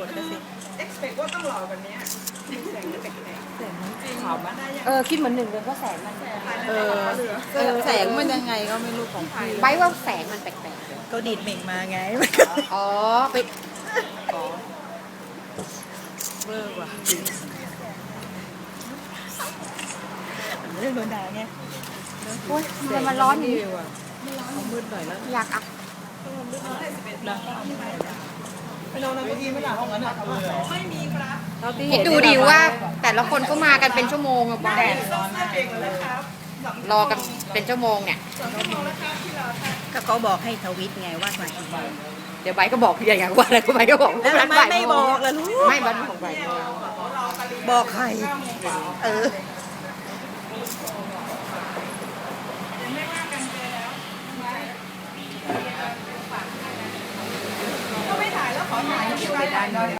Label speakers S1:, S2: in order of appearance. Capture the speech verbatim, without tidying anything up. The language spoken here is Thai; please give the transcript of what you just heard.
S1: ดก็สิเอ็กซ์เพคว่าต้องหล่อแบบนี้แสงแปลกๆแสงจริงขาวมัน
S2: เออคิดเหมือนหนึ่งเลยว่าแสงมัน
S1: เออเออแสงมันยังไงก็ไม่รู้ของพี่
S2: ไว้ว่าแสงมันแปลก
S1: ก็ดีดเหม่งมาไง
S2: ๆอ๋อไป
S1: เวอร์ว่ะเรื่องโดนด่าไง
S2: โอ๊ยทำไมมันร้อนอย่างนี้
S1: ว่ะเอามืดหน่อยแล้ว
S2: อยากอัพ
S1: นะไปนอนในเก้าอี้ไม่หลับห้องนั้นอ่ะไม่มีครับ
S2: คิดดูดิว่า แต่ละคนก็มากันเป็นชั่วโมงอะบอลรอกันเป็นชั่วโมงเนี่ย
S1: ก็เขาบอกให้ทวิตไงว่ามากี่โมง
S2: เดี๋ยวใบก็บอกอย่างว่าอะไรก็ใบก็บอก
S1: แล้วทำไมไม่บอกล่ะลูก
S2: ไม่บันของใบ
S1: บอกใครเออก็ไม่ถ่ายแล้วขอถ่าย